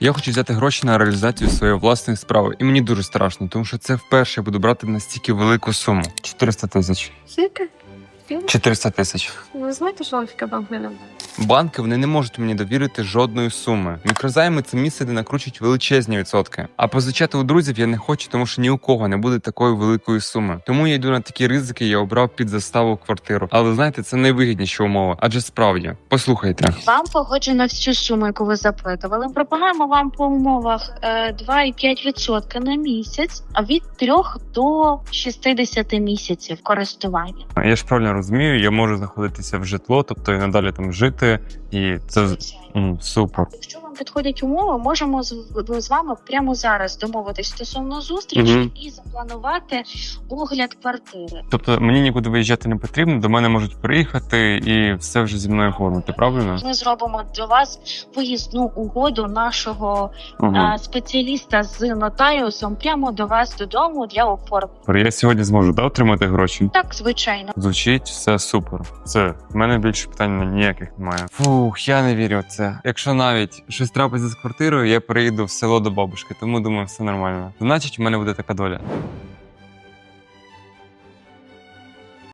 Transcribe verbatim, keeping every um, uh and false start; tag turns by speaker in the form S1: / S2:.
S1: Я хочу взяти гроші на реалізацію своєї власної справи, і мені дуже страшно, тому що це вперше я буду брати настільки велику суму. чотириста тисяч.
S2: Скільки?
S1: чотириста тисяч.
S2: Ви знаєте, що Альфіка банк не надає?
S1: Банки вони не можуть мені довірити жодної суми. Мікрозайми це місце, де накручують величезні відсотки. А позичати у друзів я не хочу, тому що ні у кого не буде такої великої суми. Тому я йду на такі ризики, я обрав під заставу квартиру. Але знаєте, це найвигідніші умови. Адже справді, послухайте.
S3: Вам погоджено всю суму, яку ви запитували. Пропонуємо вам по умовах е, два і п'ять відсотка на місяць, а від трьох до шістдесят місяців користування.
S1: Я ж правильно розумію, я можу знаходитися в житло, тобто і надалі там жити, і це м, супер.
S3: Якщо вам підходять умови, можемо з, з вами прямо зараз домовитись стосовно зустрічі
S1: Мгм.
S3: і запланувати огляд квартири.
S1: Тобто мені нікуди виїжджати не потрібно, до мене можуть приїхати і все вже зі мною оформити, правильно?
S3: Ми зробимо для вас виїзну угоду нашого
S1: Угу.
S3: е, спеціаліста з нотаріусом прямо до вас додому для оформлення.
S1: Я сьогодні зможу да, отримати гроші?
S3: Так, звичайно.
S1: Звучить все супер. Все, в мене більше питань ніяких немає. Фух, я не вірю в це. Якщо навіть щось трапиться з квартирою, я переїду в село до бабушки, тому думаю, все нормально. Значить, в мене буде така доля.